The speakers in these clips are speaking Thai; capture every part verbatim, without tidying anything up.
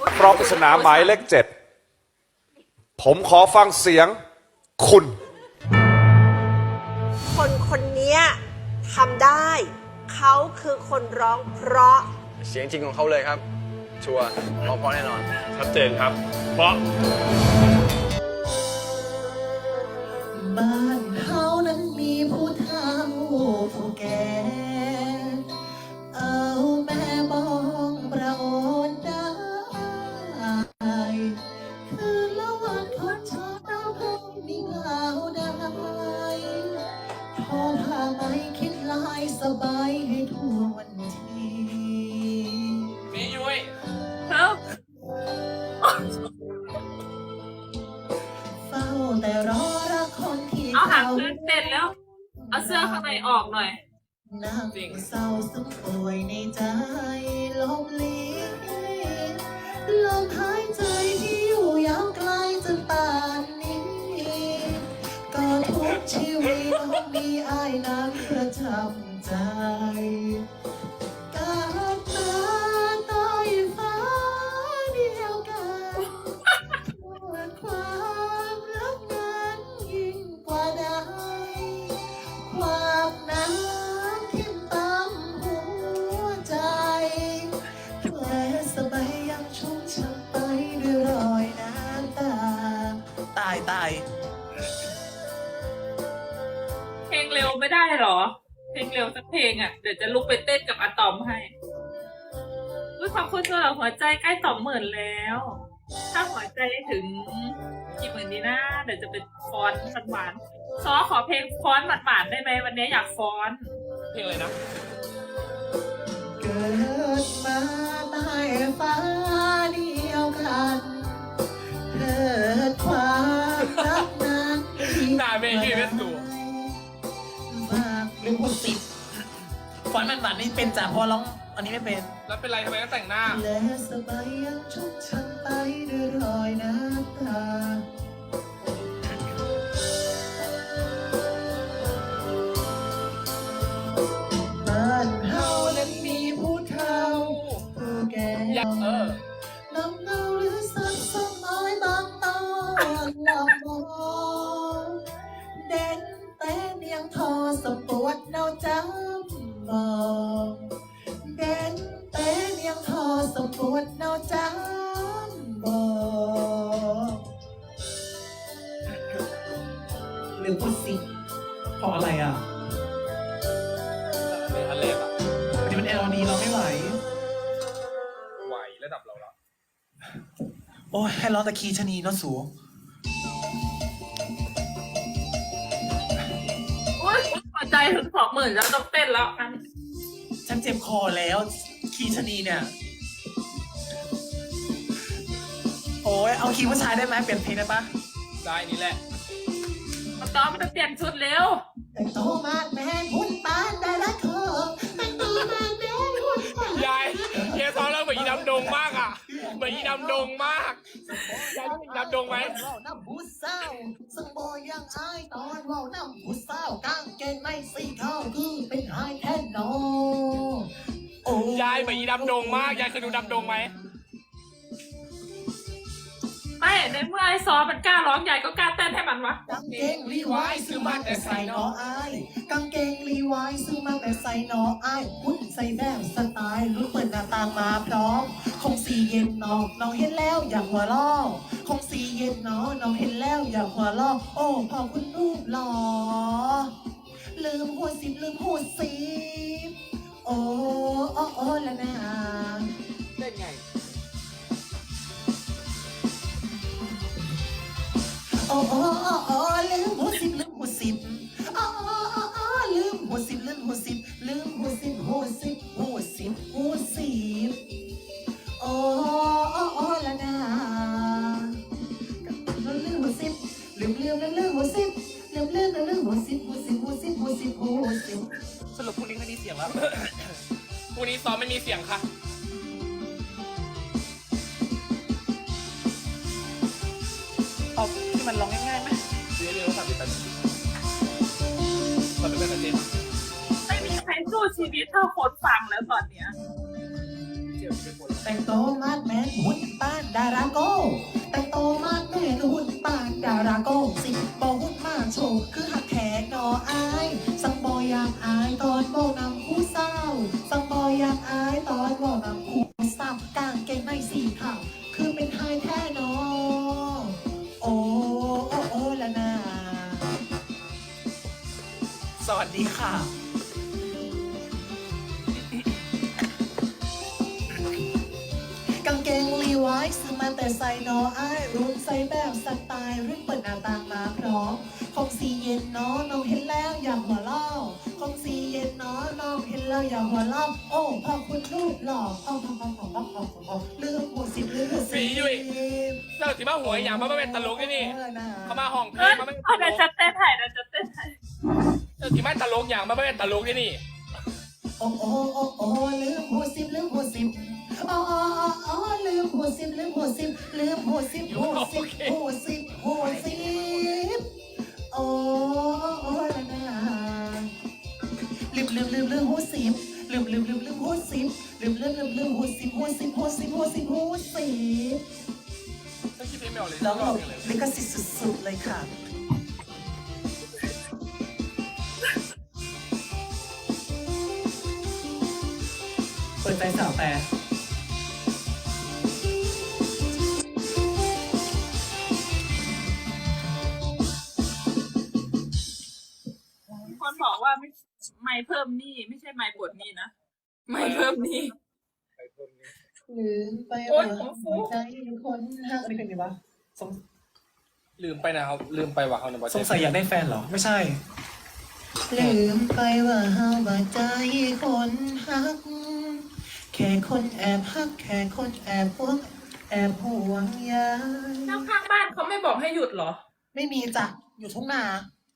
เพราะปริศนาหมายเลขเจ็ดผมขอฟังเสียงคุณคนคนนี้ทำได้ เขาคือคนร้องเพราะเสียงจริงของเขาเลยครับ ชัวร์ร้องเพราะแน่นอนชัดเจนครับ เพราะบ้านเขานั้นมีผู้เฒ่าผู้แก่เอาแม่บองประโอนได้คือละวันทดชอบดาวพงมีเหงาได้ทอผ้าไหมคิดลายสบายให้ทั่ววันทีมียุ้ยครับเฝ้าแต่รอรักคนที่เอาหางเพื่อนเต้นแล้วเอาเสื้อข้างในออกหน่อยนั่งเศร้าสุดป่วยในใจลบลีลมหายใจที่อยู่ยาวไกลจนป่านนี้ก็ทุกชีวิตต้องมีอ้ายน้ำประจำใจกับตาใต้ฟ้าเดียวกันปวดความรักนั้นยิ่งกว่าใดความน้ำทิ่มตามหัวใจแผลสบายยังชุ่มช้ำไปด้วยรอยน้ำตาตายตายเพลงเร็วไม่ได้หรอเพลงเร็วสักเพลงอ่ะเดี๋ยวจะลุกไปเต้นกับอะตอมให้ด้วยความคุณสำหรับหัวใจใกล้สองหมื่นแล้ว ถ้าหัวใจถึงกี่หมื่นดีนะเดี๋ยวจะเป็นฟอนต์หวานๆซอขอเพลงฟอนต์หวานๆได้ไหมวันนี้อยากฟอนต์เพลงอะไรนะเกิดมาใต้ฟ้าเดียวกันเกิดความรักนั้นหน้าเมย์ยืนเป็นตัวหรือคนติดฟอนต์มันหวานนี่เป็นจ่าพอร้องอันนี้ไม่เป็นแล้วเป็นไรทำไมต้องแต่งหน้าและสบายยังชุบชันไปด้วยรอยน้ำตาบ้านเฮานั้นมีผู้เฒ่าผู้แก่เออน้ำเงาหรือสักสมัยบางตอนหลับมองเด่นแต่เนียงทอสมปวดเนาจำมองเด่นแต่เนียงทอสมปวดเนาจำมองหรือพูดสิเพราะอะไรอ่ะอันเล็กอ่ะวันนี้มันเอลดีเราไม่ไหวไหวระดับเราละโอ้ยให้ร้องตะคีชะนีเนาะสูหัวใจถึงสองหมื่นแล้วต้องเต้นแล้วอันฉันเจ็บคอแล้วคีชะนีเนี่ยโอ้ยเอาคีผู้ชายได้ไหมเปลี่ยนเพลงได้ปะได้นี่แหละมาต้อมมันจะเปลี่ยนชุดเร็วแต่งตัวมาแมนหุ่นปานได้ละเธอแต่งตัวมาแมนหุ่นปานยายเฮียซ้อมแล้วเหมือนอีดำดงมากอ่ะเหมือนอีดำดงมากยายอีดำดงไหมว่าวน้ำผู้สาวซึ่งโบยังอายตอนว่าวน้ำผู้สาวกางเกงไม่สีขาวคือเป็นไฮแทนโนโอ้ยายเหมือนอีดำดงมากยายเคยดูดำดงไหมไม่ในเมื่อไอ้ซอมันกล้าร้องใหญ่ก็กล้าเต้นให้มันวะกางเกงรีไวซ์ซื้อมาแต่ใส่นออายกางเกงรีไวซ์ซื้อมาแต่ใส่นออายหุ่นใส่แบบสไตล์รู้เปิดหน้าต่างมาพร้อมคงสีเย็นนอกน้องเห็นแล้วอยากหัวล้อคงสีเย็นนอน้องเห็นแล้วอยากหัวล้อโอ้พอคุณรูปหล่อลืมหัวสิบลืมหัวสิบโอ้โอ้โอ้ละนะเล่นไงโอ้โอ้โอ้โอ้ลืมหัวสิบลืมหัวสิบโอ้โอ้โอ้โอ้ลืมหัวสิบลืมหัวสิบลืมหัวสิบหัวสิบหัวสิบหัวสิบโอ้โอ้โอ้ละนะลืมหัวสิบลืมลืมลืมลืมหัวสิบลืมลืมลืมลืมหัวสิบหัวสิบหัวสิบหัวสิบหัวสิบสรุปพรุ่งนี้ไม่มีเสียงแล้วพรุ่งนี้ซ้อมไม่มีเสียงค่ะเอาที่มันร้องง่ายๆไหมเดี๋ยวเดี๋ยวสามสิบแปดสามสิบแปดเปอร์เซ็นต์ไม่มีใครสู้ชีวิตเท่าคนฟังแล้วตอนเนี้ยแต่งตัวมาดแมนหุ่นป้าานดาราโก้แต่งโตมากแม่ดูหุ่นปานดาราโก้สิบอหุ่นมากโชว์คือหักแขกนออายสังบอยากอายตอนโบนำผู้เศร้าสังบอยากอายตอนโบนำผู้เศร้ากางเกงในสีขาวคือเป็นไทยแท้นอโอ้โอ้โอ้ละนาสวัสดีค่ะกางเกงลีไวส์ซื้อมาแต่ใส่นอไอายรุ่นใส่แบบสไตล์รุ่นเปิดหน้าต่างมาพร้อมคงสีเย็นเนาะน้องเห็นแล้วอยากหัวเราะคงสีเย็นเนาะน้องเห็นแล้วอยากหัวเราะโอ้พอคุณรูปหล่อพ่อพ่อพ่อพ่อพ่อพ่อพ่อลืมหัวสิบลืมหัวสิบสียุ้ย เจ้าสิมาหัวอย่างมาเป็นตลกที่นี่เขามาห้องเพลเอ้งยมาเป็นตเอาลเดี๋ยวกจะเต้นไทยเดี๋ยวจะเต้นไทยเจ้าสิมาตลกอย่างมาเป็นตลกที่นี่โอ้โอ้โอ้โอ้ลืมหัวสิบลืมหัวสิบอ๋ออ๋ออ๋อลืมหัวสิบลืมหัวสิบลืมหัวสิบหัวสิบหัวสิบหัวสิบโอ้โอ้ละนะลืมลืมลืมลืมหัวสิบลืมลืมลืมลืมหัวสิบลืมลืมลืมลืมหัวสิบหัวสิบหัวสิบหัวสิบหัวสิบฉันคิดเพลงไม่ออกเลยแล้วรเราอบเลยลิขสิทธิ์สุดๆเลยค่ะเปิดใจสาวแต่คนบอกว่าไม่ไม่เพิ่มหนี้ไม่ใช่ไม่ปวดหนี้นะไม่เพิ่มหนี้ลืมไปโอ๊ว่ายหัวฟูหัวใจคนหักอะไรเป็นไงวะสงลืมไปนะครับลืมไปว่าเขาเนี่ยสงสัยอยากได้แฟนเหรอ ไม่ใช่ ลืมไปว่าเฮาบ่ใจคนหัก แค่คนแอบหัก แค่คนแอบพวกแอบห่วงใยเจ้าข้างบ้านเขาไม่บอกให้หยุดเหรอไม่มีจ้ะอยู่ทุ่งนา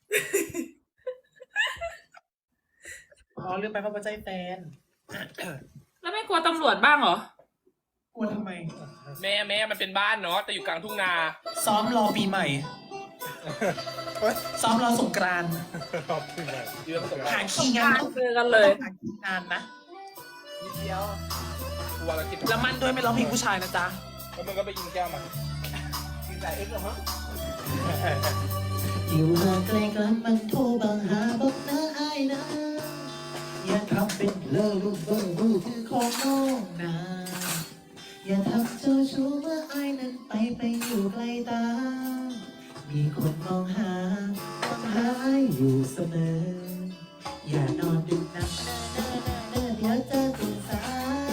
อ๋อลืมไปว่าบ่ใจแฟนแล้วไม่กลัวตำรวจบ้างเหรอกลัวทำไมแม่แม่มันเป็นบ้านเนาะแต่อยู่กลางทุ่งนาซ้อมรอปีใหม่ ซ้อมรอสงกรานต์อยู่กับผมหาคีย์งานต้องเจอกันเลยหาคีย์งานนะนิดเดียวกลัวแล้วกินแล้วมันด้วยไม่ร้องเพลงผู้ชายนะจ๊ะแล้วมึงก็ไปกินแก้วมากินแต่เอ็กซ์เหรอฮะอยู่ห่างไกลกันมันโทรบังหาบอกนะไอ้นะอย่าทำเป็นเลอลูกเบอร์ลูกคือของน้องนะอย่าทำเจ้าชู้เมื่อไอ้นั้นไปไปอยู่ไกลตา มีคนมองหามองหาไอ้อยู่เสมอ อย่านอนดึกนักเน้อเน้อเน้อเดี๋ยวจะตื่นสาย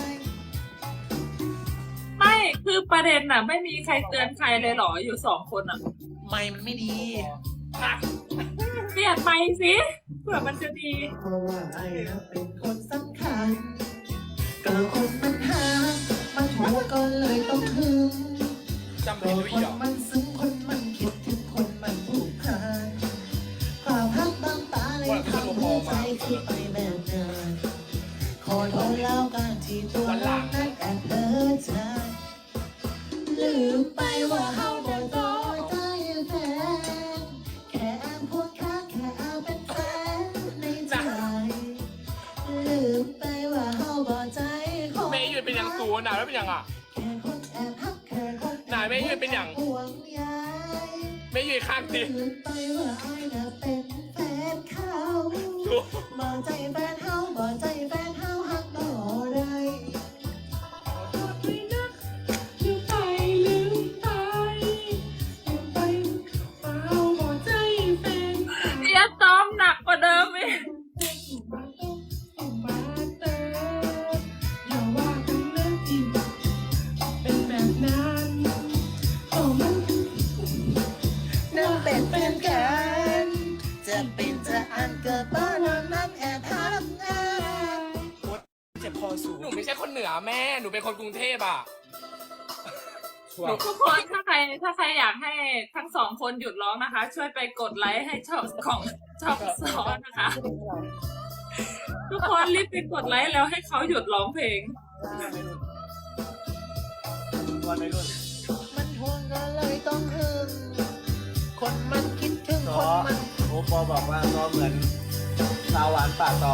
ไม่คือประเด็นน่ะ ไม่มีใครเตือนใครเลยเหรออยู่สองคนอ่ะไม่มันไม่ดีเปลี่ยนไปสิเผื่อมันจะดีเพราะว่าไอ้นะเป็นคนสำคัญก็คนมันหา มันหัวก็เลยต้องหึงจำก็ผิดด้วยคอีนกเหรอมันซึ้งคนมันคิดถึงคนมันผูกพันความพักบางตาเลยทำให้ใจที่ไปแบบนั้นขอโทษแล้วกันที่ตัวเรานั้นแอบเพ้อใจลืมไปว่าเฮาบ่ต่อใจแฟนแค่แอบพูดค้างแค่เอาเป็นแฟนในใจลืมไปว่าเฮาบ่ใจคนแม่ยืนเป็นอย่างสูงหนาแล้วเป็นอย่างอ่ะแค่คนแอบฮักแค่คนนายแม่ยืนเป็นอย่างห่วงใยแม่ยืนข้างสิลืมไปว่าไอ้น่ะเป็นแฟนเขาบ่ใจแฟนเฮาบ่ใจแฟนเฮาฮักบ่ได้เดี๋ยวซ้อมหนักกว่าเดิมอีกนั่งเป็นแฟนกันจะเป็นจะอันเกิดบ้านนั้นแอบฮักงานเจ็บคอสูงหนูไม่ใช่คนเหนือแม่หนูเป็นคนกรุงเทพอ่ะทุกคนถ้าใครถ้าใครอยากให้ทั้งสองคนหยุดร้องนะคะ ช่วยไปกดไลค์ให้ช่องของช่องสอนนะคะ ทุกคนรีบไปกดไลค์แล้วให้เขาหยุดร้องเพลงวันไม่รุ่นมันห่วงก็เลยต้องหึงคนมันคิดถึงคนมันโอ้ปอบอกว่าก็เหมือนสาวหวานปากตอง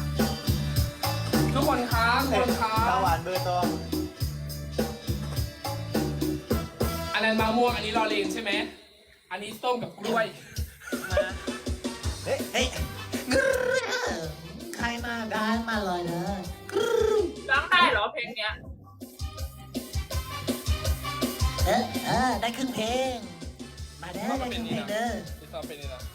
ทุกคนครับทุกคนครัสาวบหวานเบอร์ตองม่วงอันนี้รอเลนใช่ไหมอันนี้ส้มกับกล้วยเฮ้ยเฮ้ยกรึ๊ดใครมาได้มาเลยเลยกรึ๊ดร้องได้เหรอเพลงเนี้ยเออเออได้ครึ่งเพลง มาได้ได้ครึ่งเพลงเด้อที่ซ้อมเป็นนี่นะ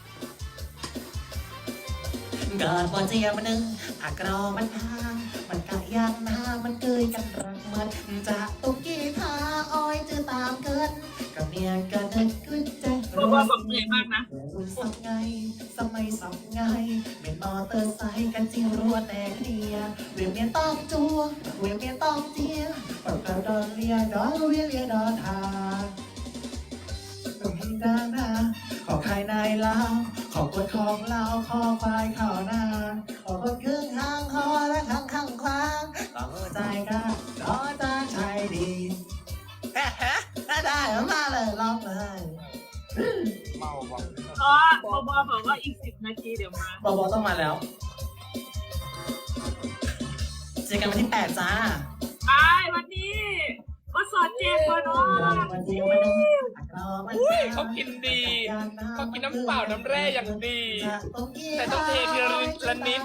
เกิดบนเจียมันหนึ่งอากรอมันทางมันกะยางนามันเกยกันรักเหมือนจะตุกกี้ทาอ้อยจะตามเกินกับเมียกันนึกขึ้นใจเพราะว่าบอกเหนื่อยมากนะสับไงสมัยสับไงเป็นมอเตอร์ไซค์กันจริงรัวแต่เคลียเวียนเมียนต้องจัวเวียนเมียนต้องเจียปดกระดอนเลียดอนเวียเลียดอนทาตุ้มดานาขอใครนายลาวขอกดของเราขอควายข่าวหน้าขอกดครึ่งทางคอและข้างข้างคว้างขอหัวใจกันขอจางใจดีเฮ้ฮะได้มาเลยลองเลยเมาว่ะอ๋อบอบอบอกว่าอีกสิบนาทีเดี๋ยวมาบอบอต้องมาแล้วเจอกันวันที่แปดจ้าไปวันนี้ก็สอนเจ็บกว่าน้องวันเดียววันนึงเขากินดีเขากินน้ำเปล่าน้ำแร่อย่างดี แต่ต้องเททีละนิดละนิด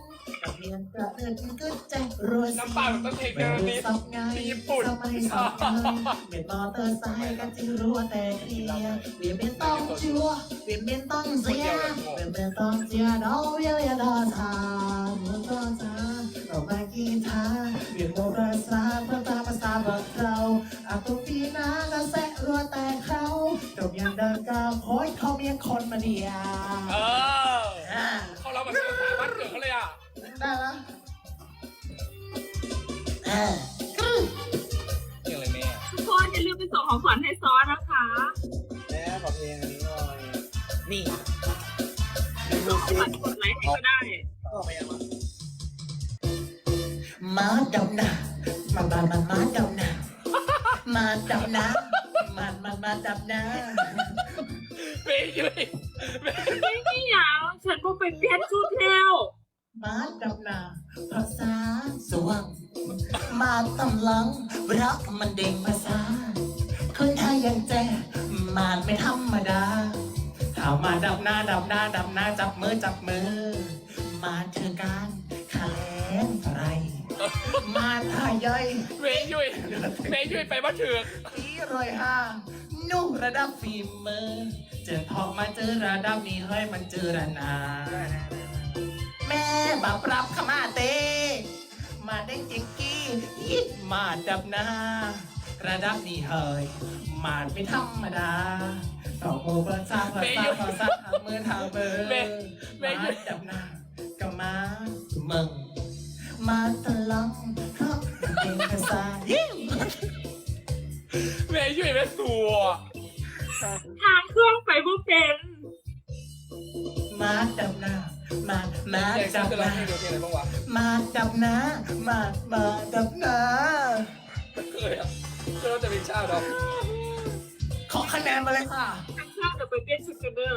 น้ำเปล่าต้องเททีละนิดที่ญี่ปุ่นเบียนมอเตอร์ไซค์กันที่รัวแต่เคลียร์เบียนเบียนต้องชัวเบียนเบียนต้องเสียเบียนเบียนต้องเสียดอกเบี้ยเลียดอทางมึงก็จ้าเรามากีทาเบียนโมราษาเพื่อตามภาษาบอกเราอาตุปีนาก็แสะรัวแต่เขาจบยังเดินก้าวโค้ยเขาเมียคนมาเดียเออเขาเราแบบภาษาบ้านเกิดเขาเลยอ่ะได้แล้วเออเรื่องอะไรแม่ทุกคนอย่าลืมไปส่งของขวัญให้ซอสนะคะแม่ขอเพลงอันนี้หน่อยนี่ส่งของขวัญกดไลค์ให้ก็ได้ก็ไปยังวะมาดำนามามามามาดำนามาดำนามามามาดำนาเมย์ยุ้ยเมย์ไม่มีอย่างฉันก็ไปเปลี่ยนชุดแล้วมาดำนาภาษาสว่างมาตำลังรักมันเด้งภาษาคนไทยยังแจ้มันไม่ธรรมดาถามมาดำนาดำนาดำนาจับมือจับมือ มาเถือการขะแลงไรมาทายย่อยเมย์ยุ้ยเมย์ยุ้ยไปบ้านเถือกอีรอยห้านุ่ระดับฝีมือเจอทองมาเจอระดับนี้เฮ้ยมันเจอระนา แม่บาปรับขมาเต มาเด้งจิงกี้ยิดมาดับหน้า ระดับนี้เฮ้ยมาไม่ธรรมดาต่อโมเบอร์ซ่าภาษาภาษาทางมือทางเบอร์มาดับหน้าก็มามึงมาตะลังครับเป็นภาษายิ่งเมย์ยุ้ยแม่สัวทางเครื่องไปบ่เป็นมาดับหน้ามามาอยากดับจะหร้องน้าเพลงเดียวเพลงอะไรบ้างวะมาดับหน้ามามาดับหน้าเคยอ่ะก็เราจะเป็นชาติดอกขอคะแนนมาเลยค่ะทางเครื่องเดี๋ยวไปเปลี่ยนชุดกันเด้อ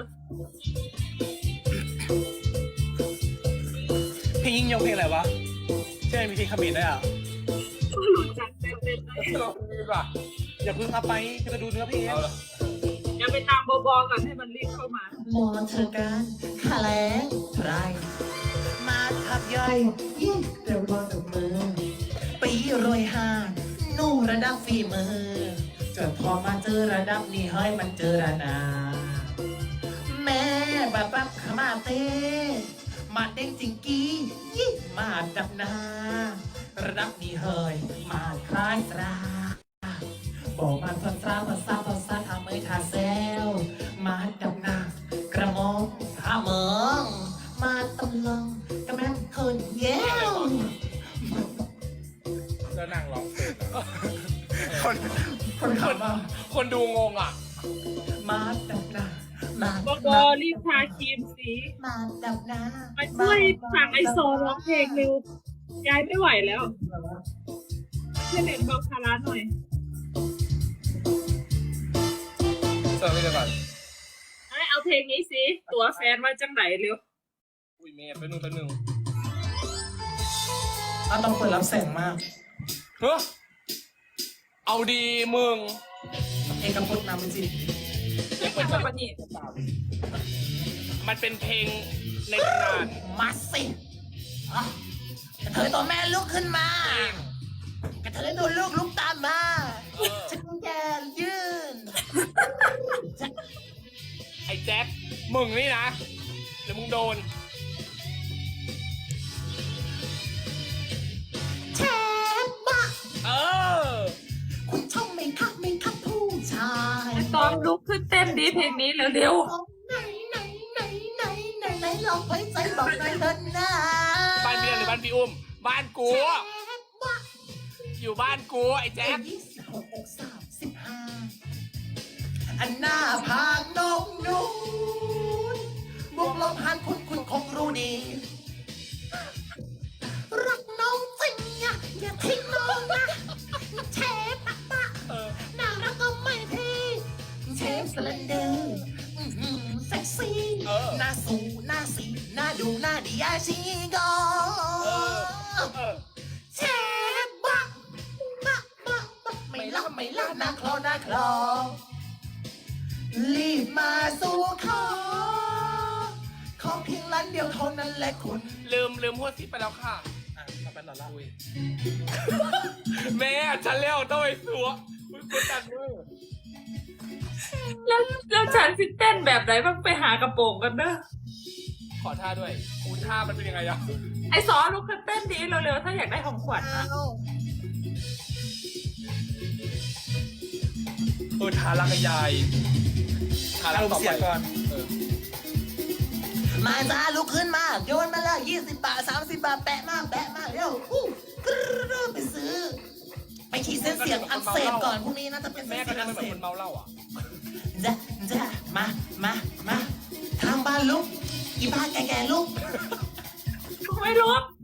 เพลงยิ่งยงเพลงอะไรวะใช่ไหมมีเพลงขมิ้นด้วยอ่ะก็รู้จักเต้นๆได้ลองดูดีกว่าอย่าเพิ่งเอาไปจะดูเนื้อเพลงเอาละอย่าไปตามบอบอก่อนให้มันรีบเข้ามามองเธอกันขาแรงไรมาทับย่อยยิ่งเร็วรอดับมือ ปีรวยห้านู่ระดับฝีมือจนพอมาเจอระดับนี้เฮ้ยมันเจอระนา แม่บับบับขมาเต้มาเด้งจิงกี้ยิ่งมาดับหนาระดับนี้เฮ้ยมาคล้ายตราบอกมันภาษาภาษาภาษาทำเมยทาเซลมาดับหนากระมองทาเมืองมาตำลังกระแม่คนเย้วแล้วนั่งร้องเพลงอะคน คนขำว่าคนดูงงอ่ะมาดับหนามาบอบอรีบทาครีมสีมาดับหนามาช่วยสั่งไอโซร้องเพลงเร็ว ยายไม่ไหวแล้วช่วยเล่นเบาคาราหน่อยเติมไปก่อนไอเอาเพลงนี้สิ ตัวแฟนมาจังไหนเร็วอุ้ยเมย์ไปหนึ่งไปหนึ่งอ่ะต้องเปิดรับแสงมากเฮ้อเอาดีมึงเอกพจน์นามจิตเพลงเป็นแบบนี้มันเป็นเพลงในตำนานมาสิอ่ะกระเทยตัวแม่ลุกขึ้นมากระเทยดูลูกลุกตามมาฉันแกยืนไอ้แจ็คมึงนี่นะเดี๋ยวมึงโดนแชร์บะเออคุณชอบไหมครับไหมครับผู้ชายไอ้ตอมลุกขึ้นเต้นดีเพลงนี้เร็วไหนไหนไหนไหนไหนไหนลองไว้ใจบอกหน่อยเถอะนะบ้านพี่หรือบ้านพี่อุ้ม บ้านกูแชร์บะอยู่บ้านกูไอ้แจ็คยี่สิบหกอกสามสิบห้าอันหน้าพางนกนูนบวกลบหารคุณคุณคงรู้ดี รักน้องจริงอะอย่าทิ้งน้องนะเชฟปะปะเออน่ารักก็ไม่พี่เชฟสเลนเดอร์อื้อหือเซ็กซี่เออหน้าสูหน้าสีหน้าดูหน้าดีอาชีก็เออเชฟบะบะบะบะไม่ล่าไม่ล่าหน้าคลอหน้าคลอรีบมาสู่ขอขอเพียงล้านเดียวเท่านั้นแหละคุณลืมลืมหัวซิปไปแล้วค่ะ อ่ะมาเป็นหล่อละอุ้ยแม่ฉันเลี้ยวต้องไปสัวอุ้ยกดดันมือๆแล้วแล้วฉันสิเต้นแบบไหนบ้างไปหากระโปรงกันเด้อขอท่าด้วยอูท่ามันเป็นยังไงอะไอ้สอลุกขึ้นเต้นดีเร็วๆถ้าอยากได้ของขวัญอะเออท่ารักกับยายท่ารักต่อไปเออมาจ้าลุกขึ้นมาโยนมาละยี่สิบบาทสามสิบบาทแปะมาแปะมาเร็วอู้กรึ๊ดไปซื้อ ไปขีดเส้นเสียงอักเสบก่อนพรุ่งนี้น่าจะเป็นเส้แม่นก็เสียงทำอัเป็นกเหมืเสอบ นคนเมาเหล้าอ่ะจ้ะจ้ะมามามาทางบ้านลุกอีบ้านแก่ๆลุกไม่ลุก